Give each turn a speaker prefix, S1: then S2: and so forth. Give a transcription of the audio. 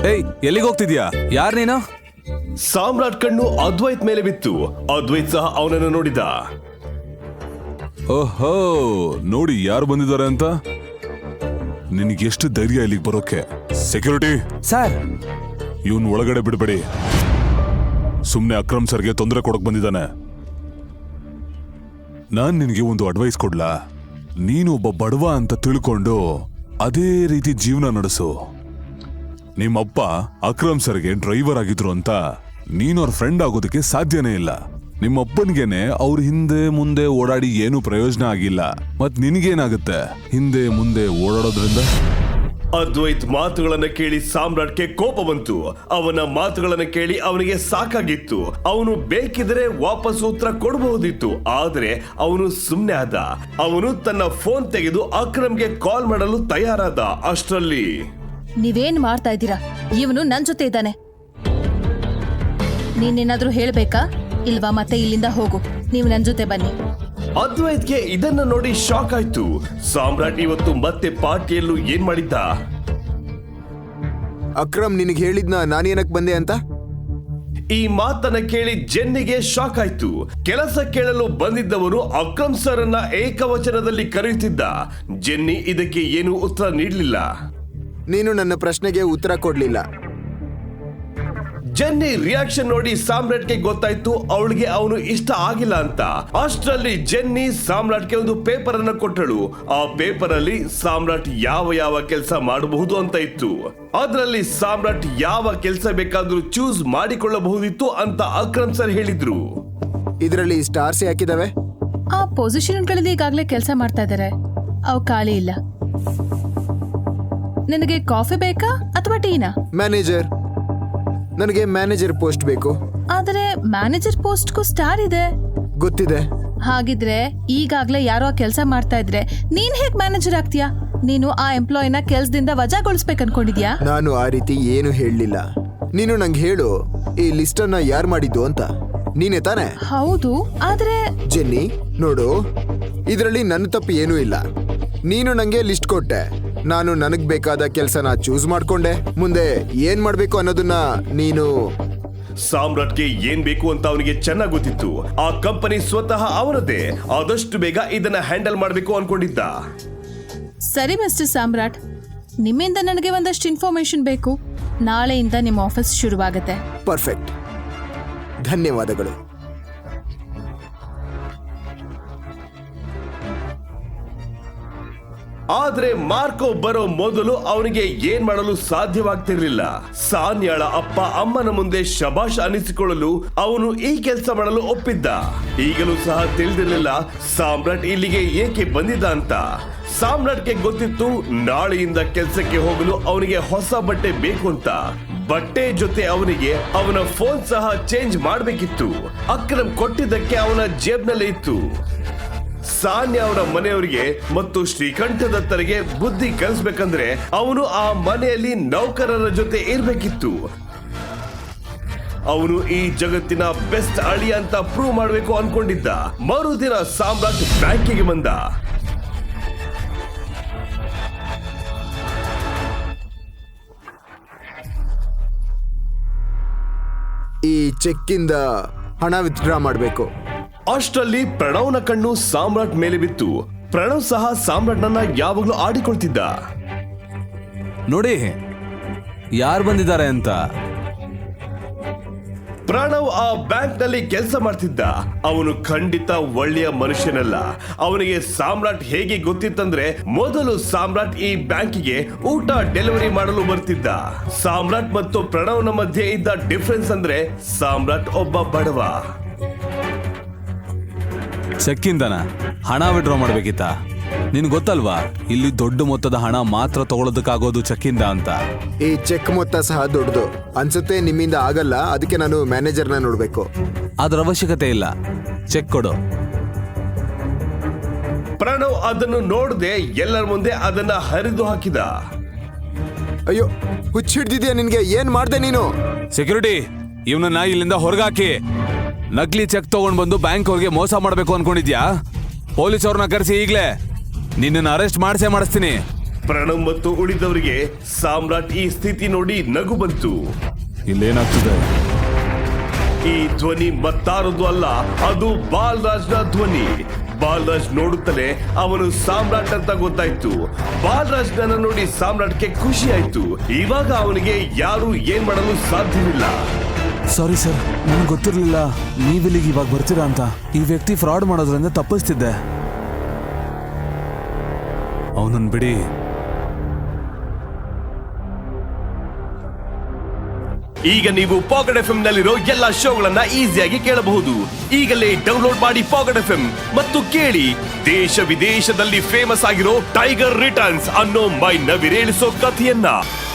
S1: ಏಯ್, ಎಲ್ಲಿಗೆ ಹೋಗ್ತಿದ್ಯಾ? ಯಾರ್ ನೀನು?
S2: ಸಾಮ್ರಾಟ್ ಕಣ್ಣು ಅದ್ವೈತ್ ಮೇಲೆ ಬಿತ್ತು. ಅದ್ವೈತ್ ಸಹ ಅವನನ್ನು ನೋಡಿದ.
S1: ಓಹೋ, ನೋಡಿ ಯಾರು ಬಂದಿದ್ದಾರೆ ಅಂತ. ನಿನಗೆ ಎಷ್ಟು ಧೈರ್ಯ ಇಲ್ಲಿಗೆ ಬರೋಕೆ? ಸೆಕ್ಯೂರಿಟಿ
S3: ಸರ್,
S1: ಇವನ್ ಒಳಗಡೆ ಬಿಡಬೇಡಿ. ಸುಮ್ನೆ ಅಕ್ರಮ್ ಸರ್ಗೆ ತೊಂದರೆ ಕೊಡಕ್ ಬಂದಿದ್ದಾನೆ. ನಾನ್ ನಿನಗೆ ಒಂದು ಅಡ್ವೈಸ್ ಕೊಡ್ಲಾ? ನೀನು ಒಬ್ಬ ಬಡವ ಅಂತ ತಿಳ್ಕೊಂಡು ಅದೇ ರೀತಿ ಜೀವನ ನಡೆಸು. ನಿಮ್ಮಪ್ಪ ಅಕ್ರಮ್ ಸರ್ಗೆ ಡ್ರೈವರ್ ಆಗಿದ್ರು ಅಂತ ನೀನು ಅವ್ರ ಫ್ರೆಂಡ್ ಆಗೋದಕ್ಕೆ ಸಾಧ್ಯನೇ ಇಲ್ಲ. ನಿಮ್ಮಪ್ಪನ್ಗೆನೆ ಅವ್ರ ಹಿಂದೆ ಮುಂದೆ ಓಡಾಡಿ ಏನು ಪ್ರಯೋಜನ ಆಗಿಲ್ಲ. ಮತ್ ನಿನಗೇನಾಗುತ್ತೆ ಹಿಂದೆ ಮುಂದೆ ಓಡಾಡೋದ್ರಿಂದ?
S2: ಅದ್ವೈತ್ ಮಾತುಗಳನ್ನ ಕೇಳಿ ಸಾಮ್ರಾಟ್ಗೆ ಕೋಪ ಬಂತು. ಅವನ ಮಾತುಗಳನ್ನ ಕೇಳಿ ಅವನಿಗೆ ಸಾಕಾಗಿತ್ತು. ಅವನು ಬೇಕಿದ್ರೆ ವಾಪಸ್ ಉತ್ತರ ಕೊಡಬಹುದಿತ್ತು, ಆದ್ರೆ ಅವನು ಸುಮ್ನೆ ಆದ. ಅವನು ತನ್ನ ಫೋನ್ ತೆಗೆದು ಅಕ್ರಮ್ಗೆ ಕಾಲ್ ಮಾಡಲು ತಯಾರಾದ. ಅಷ್ಟರಲ್ಲಿ
S4: ನೀವೇನ್ ಮಾಡ್ತಾ ಇದ್ದೀರಾ? ಇವನು ನನ್ ಜೊತೆ ಇದ್ದಾನೆ. ನೀನೇನಾದ್ರೂ ಹೇಳ್ಬೇಕಾ ಇಲ್ವಾ? ಮತ್ತೆ ಇಲ್ಲಿಂದ ಹೋಗು. ನೀವು ನನ್ ಜೊತೆ ಬನ್ನಿ.
S2: ಅದ್ವೈತ್ಗೆ ಇದನ್ನ ನೋಡಿ ಶಾಕ್ ಆಯ್ತು. ಸಾಮ್ರಾಟ್ ಇವತ್ತು ಮತ್ತೆ ಪಾರ್ಟಿಯಲ್ಲೂ ಏನ್ ಮಾಡಿದ್ದ?
S3: ಅಕ್ರಮ್ ನಿನಗೆ ಹೇಳಿದ್ನ ನಾನೇನಕ್ ಬಂದೆ ಅಂತ?
S2: ಈ ಮಾತನ್ನ ಕೇಳಿ ಜೆನ್ನಿಗೆ ಶಾಕ್ ಆಯ್ತು. ಕೆಲಸ ಕೇಳಲು ಬಂದಿದ್ದವರು ಅಕ್ರಮ್ ಸರ್ ಅನ್ನ ಏಕವಚನದಲ್ಲಿ ಕರೆಯುತ್ತಿದ್ದ. ಜೆನ್ನಿ ಇದಕ್ಕೆ ಏನು ಉತ್ತರ ನೀಡಲಿಲ್ಲ.
S3: ನೀನು ನನ್ನ ಪ್ರಶ್ನೆಗೆ ಉತ್ತರ ಕೊಡ್ಲಿಲ್ಲ.
S2: ಜೆನ್ನಿ ರಿಯಾಕ್ಷನ್ ನೋಡಿ ಸಾಮ್ರಾಟ್ಗೆ ಗೊತ್ತಾಯ್ತು ಅವಳಿಗೆ ಅವನು ಇಷ್ಟ ಆಗಿಲ್ಲ ಅಂತ. ಅಷ್ಟರಲ್ಲಿ ಜೆನ್ನಿ ಸಾಮ್ರಾಟ್ಗೆ ಒಂದು ಪೇಪರ್ ಅನ್ನು ಕೊಟ್ಟಳು. ಆ ಪೇಪರ್ ಅಲ್ಲಿ ಸಾಮ್ರಾಟ್ ಯಾವ ಕೆಲಸ ಮಾಡಬಹುದು ಅಂತ ಇತ್ತು. ಅದರಲ್ಲಿ ಸಾಮ್ರಾಟ್ ಯಾವ ಕೆಲಸ ಬೇಕಾದ್ರೂ ಚೂಸ್ ಮಾಡಿಕೊಳ್ಳಬಹುದಿತ್ತು ಅಂತ ಅಕ್ರಮ್ ಸರ್ ಹೇಳಿದ್ರು.
S3: ಇದರಲ್ಲಿ ಸ್ಟಾರ್ಸ್ ಯಾಕಿದಾವೆ?
S4: ಆ ಪೊಸಿಷನ್ಗಳಲ್ಲಿ ಈಗಾಗಲೇ ಕೆಲಸ ಮಾಡ್ತಾ ಇದ್ದಾರೆ, ಅವು ಖಾಲಿ ಇಲ್ಲ. ನಿನಗೆ ಕಾಫಿ ಬೇಕಾ ಅಥವಾ ಟೀನಾ?
S3: ಮ್ಯಾನೇಜರ್. ನನಗೆ ಮ್ಯಾನೇಜರ್ ಪೋಸ್ಟ್ ಬೇಕು.
S4: ಆದರೆ ಮ್ಯಾನೇಜರ್ ಪೋಸ್ಟ್ಗೂ ಸ್ಟಾರ್ ಇದೆ.
S3: ಗೊತ್ತಿದೆ.
S4: ಹಾಗಿದ್ರೆ ಈಗಾಗ್ಲೇ ಯಾರೋ ಕೆಲಸ ಮಾಡ್ತಾ ಇದ್ರೆ ನೀನ್ ಹೇಗ್ ಮ್ಯಾನೇಜರ್ ಆಗ್ತೀಯಾ? ನೀನು ಆ ಎಂಪ್ಲಾಯಿನ ಕೆಲ್ಸದಿಂದ ವಜಾಗೊಳಿಸ್ಬೇಕು ಅನ್ಕೊಂಡಿದ್ಯಾ?
S3: ನಾನು ಆ ರೀತಿ ಏನು ಹೇಳಲಿಲ್ಲ. ನೀನು ನಂಗೆ ಹೇಳು, ಈ ಲಿಸ್ಟ್ ಅನ್ನ ಯಾರು ಮಾಡಿದ್ದು ಅಂತ. ನೀನೇ ತಾನೆ?
S4: ಹೌದು, ಆದ್ರೆ
S3: ಜೆನ್ನಿ ನೋಡು, ಇದರಲ್ಲಿ ನನ್ನ ತಪ್ಪು ಏನೂ ಇಲ್ಲ. ನೀನು ನಂಗೆ ಲಿಸ್ಟ್ ಕೊಟ್ಟೆ, ನಾನು ನನಗ್ ಬೇಕಾದ ಕೆಲಸನ ಚೂಸ್ ಮಾಡ್ಕೊಂಡೆ. ಮುಂದೆ ಏನ್ ಮಾಡ್ಬೇಕು ಅನ್ನೋದನ್ನ ನೀನು.
S2: ಸಾಮ್ರಾಟ್ಗೆ ಏನ್ ಬೇಕು ಅಂತ ಅವನಿಗೆ ಚೆನ್ನಾಗಿ ಗೊತ್ತಿತ್ತು. ಆ ಕಂಪನಿ ಸ್ವತಃ ಅವನದೇ. ಆದಷ್ಟು ಬೇಗ ಇದನ್ನ ಹ್ಯಾಂಡಲ್ ಮಾಡಬೇಕು ಅನ್ಕೊಂಡಿದ್ದ.
S4: ಸರಿ ಮಿಸ್ಟರ್ ಸಾಮ್ರಾಟ್, ನಿಮ್ಮಿಂದ ನನಗೆ ಒಂದಷ್ಟು ಇನ್ಫಾರ್ಮೇಶನ್ ಬೇಕು. ನಾಳೆಯಿಂದ ನಿಮ್ಮ ಆಫೀಸ್ ಶುರುವಾಗುತ್ತೆ.
S3: ಪರ್ಫೆಕ್ಟ್, ಧನ್ಯವಾದಗಳು.
S2: ಆದ್ರೆ ಮಾರ್ಕೋ ಬರೋ ಮೊದಲು ಅವನಿಗೆ ಏನ್ ಮಾಡಲು ಸಾಧ್ಯವಾಗ್ತಿರ್ಲಿಲ್ಲ. ಸಾನ್ಯಾಳ ಅಪ್ಪ ಅಮ್ಮನ ಮುಂದೆ ಶಬಾಷ್ ಅನಿಸಿಕೊಳ್ಳಲು ಅವನು ಈ ಕೆಲಸ ಮಾಡಲು ಒಪ್ಪಿದ್ದ. ಈಗಲೂ ಸಹ ತಿಳಿದಿರಲಿಲ್ಲ ಸಾಮ್ರಾಟ್ ಇಲ್ಲಿಗೆ ಏಕೆ ಬಂದಿದ್ದ ಅಂತ. ಸಾಮ್ರಾಟ್ಗೆ ಗೊತ್ತಿತ್ತು ನಾಳೆಯಿಂದ ಕೆಲಸಕ್ಕೆ ಹೋಗಲು ಅವನಿಗೆ ಹೊಸ ಬಟ್ಟೆ ಬೇಕು ಅಂತ. ಬಟ್ಟೆ ಜೊತೆ ಅವನಿಗೆ ಅವನ ಫೋನ್ ಸಹ ಚೇಂಜ್ ಮಾಡಬೇಕಿತ್ತು. ಅಕ್ರಮ್ ಕೊಟ್ಟಿದ್ದಕ್ಕೆ ಅವನ ಜೇಬ್ನಲ್ಲೇ ಇತ್ತು. ಸಾನ್ಯಾ ಅವರ ಮನೆಯವರಿಗೆ ಮತ್ತು ಶ್ರೀಕಂಠದತ್ತರಿಗೆ ಬುದ್ಧಿ ಕಲಿಸ್ಬೇಕಂದ್ರೆ ಅವನು ಆ ಮನೆಯಲ್ಲಿ ನೌಕರರ ಜೊತೆ ಇರ್ಬೇಕಿತ್ತು. ಅವನು ಈ ಜಗತ್ತಿನ ಬೆಸ್ಟ್ ಅಳಿಯ ಅಂತ ಪ್ರೂವ್ ಮಾಡಬೇಕು ಅನ್ಕೊಂಡಿದ್ದ. ಮರುದಿನ ಸಾಮ್ರಾಟ್ ಬ್ಯಾಂಕಿಗೆ ಬಂದ.
S3: ಈ ಚೆಕ್ಕಿಂದ ಹಣ ವಿತ್ಡ್ರಾ ಮಾಡಬೇಕು.
S2: ಅಷ್ಟರಲ್ಲಿ ಪ್ರಣವ್ನ ಕಣ್ಣು ಸಾಮ್ರಾಟ್ ಮೇಲೆ ಬಿತ್ತು. ಪ್ರಣವ್ ಸಹ ಸಾಮ್ರಾಟ್ನನ್ನ ಯಾವಾಗ್ಲೂ ಆಡಿಕೊಳ್ತಿದ್ದ.
S1: ನೋಡಿ ಯಾರು ಬಂದಿದ್ದಾರೆ ಅಂತ.
S2: ಪ್ರಣವ್ ಆ ಬ್ಯಾಂಕ್ ನಲ್ಲಿ ಕೆಲಸ ಮಾಡ್ತಿದ್ದ. ಅವನು ಖಂಡಿತ ಒಳ್ಳೆಯ ಮನುಷ್ಯನಲ್ಲ. ಅವನಿಗೆ ಸಾಮ್ರಾಟ್ ಹೇಗೆ ಗೊತ್ತಿತ್ತಂದ್ರೆ ಮೊದಲು ಸಾಮ್ರಾಟ್ ಈ ಬ್ಯಾಂಕಿಗೆ ಊಟ ಡೆಲಿವರಿ ಮಾಡಲು ಬರ್ತಿದ್ದ. ಸಾಮ್ರಾಟ್ ಮತ್ತು ಪ್ರಣವ್ನ ಮಧ್ಯೆ ಇದ್ದ ಡಿಫರೆನ್ಸ್ ಅಂದ್ರೆ ಸಾಮ್ರಾಟ್ ಒಬ್ಬ ಬಡವ.
S1: ಚೆಕ್ಕಿಂದನ ಹಣ ವಿಡ್ರಾ ಮಾಡ್ಬೇಕಿತ್ತ? ನಿನ್ ಗೊತ್ತಲ್ವಾ ಇಲ್ಲಿ ದೊಡ್ಡ ಮೊತ್ತದ ಹಣ ಮಾತ್ರ ತಗೊಳ್ಳೋದಕ್ಕಾಗೋದು ಚೆಕ್ಕಿಂದ ಅಂತ.
S3: ಈ ಚೆಕ್ ಮೊತ್ತ ಸಹ ದೊಡ್ಡದು ಅನ್ಸುತ್ತೆ. ನಿಮ್ಮಿಂದ ಆಗಲ್ಲ, ಅದಕ್ಕೆ ನಾನು ಮ್ಯಾನೇಜರ್ನ ನೋಡ್ಬೇಕು.
S1: ಅದ್ರ ಅವಶ್ಯಕತೆ ಇಲ್ಲ, ಚೆಕ್ ಕೊಡು.
S2: ಪ್ರಣವ್ ಅದನ್ನು ನೋಡದೆ ಎಲ್ಲರ ಮುಂದೆ ಅದನ್ನ ಹರಿದು ಹಾಕಿದ.
S3: ಅಯ್ಯೋ, ಹುಚ್ಚಿಡ್ದಿದ್ಯಾ ನಿನ್ಗೆ? ಏನ್ ಮಾಡ್ದೆ ನೀನು?
S1: ಸೆಕ್ಯೂರಿಟಿ, ಇವನನ್ನ ಇಲ್ಲಿಂದ ಹೊರಗಾಕಿ. ನಕಲಿ ಚೆಕ್ ತಗೊಂಡ್ ಬಂದು ಬ್ಯಾಂಕ್ ಅವ್ರಿಗೆ ಮೋಸ ಮಾಡ್ಬೇಕು ಅನ್ಕೊಂಡಿದ್ಯಾ? ಪೊಲೀಸ್ ಅವ್ರನ್ನ ಕರೆಸಿ ಈಗ್ಲೇ ನಿನ್ನನ್ನು ಅರೆಸ್ಟ್ ಮಾಡಿಸ್ತೀನಿ.
S2: ಪ್ರಣವ್ ಮತ್ತು ಉಳಿದವರಿಗೆ ಸಾಮ್ರಾಟ್ ಈ ಸ್ಥಿತಿ ನೋಡಿ ನಗು ಬಂತು.
S1: ಇಲ್ಲೇನಾಗ್ತಿದೆ?
S2: ಈ ಧ್ವನಿ ಮತ್ತಾರದು ಅಲ್ಲ, ಅದು ಬಾಲರಾಜ್ನ ಧ್ವನಿ. ಬಾಲರಾಜ್ ನೋಡುತ್ತಲೇ ಅವನು ಸಾಮ್ರಾಟ್ ಅಂತ ಗೊತ್ತಾಯ್ತು. ಬಾಲರಾಜ್ನ ನೋಡಿ ಸಾಮ್ರಾಟ್ಗೆ ಖುಷಿ ಆಯ್ತು. ಇವಾಗ ಅವನಿಗೆ ಯಾರು ಏನ್ ಮಾಡಲು ಸಾಧ್ಯವಿಲ್ಲ.
S5: ಸಾರಿ ಸರ್, ನನಗೆ ಗೊತ್ತಿರಲಿಲ್ಲ ನೀವಿಲ್ಲಿಗೆ ಇವಾಗ ಬರ್ತೀರಾ ಅಂತ. ಈ ವ್ಯಕ್ತಿ ಫ್ರಾಡ್ ಮಾಡೋದ್ರಿಂದ ತಪ್ಪಿಸ್ತಿದ್ದೆ.
S1: ಅವನನ್ನು ಬಿಡಿ.
S2: ಈಗ ನೀವು ಪಾಕೆಟ್ ಎಫ್ಎಂ ನಲ್ಲಿರೋ ಎಲ್ಲಾ ಶೋಗಳನ್ನ ಈಸಿಯಾಗಿ ಕೇಳಬಹುದು. ಈಗಲೇ ಡೌನ್ಲೋಡ್ ಮಾಡಿ ಪಾಕೆಟ್ ಎಫ್ಎಂ ಮತ್ತು ಕೇಳಿ ದೇಶ ವಿದೇಶದಲ್ಲಿ ಫೇಮಸ್ ಆಗಿರೋ ಟೈಗರ್ ರಿಟರ್ನ್ಸ್ ಅನ್ನೋ ಮೈ ನವಿರೇಳಿಸೋ ಕಥೆಯನ್ನ.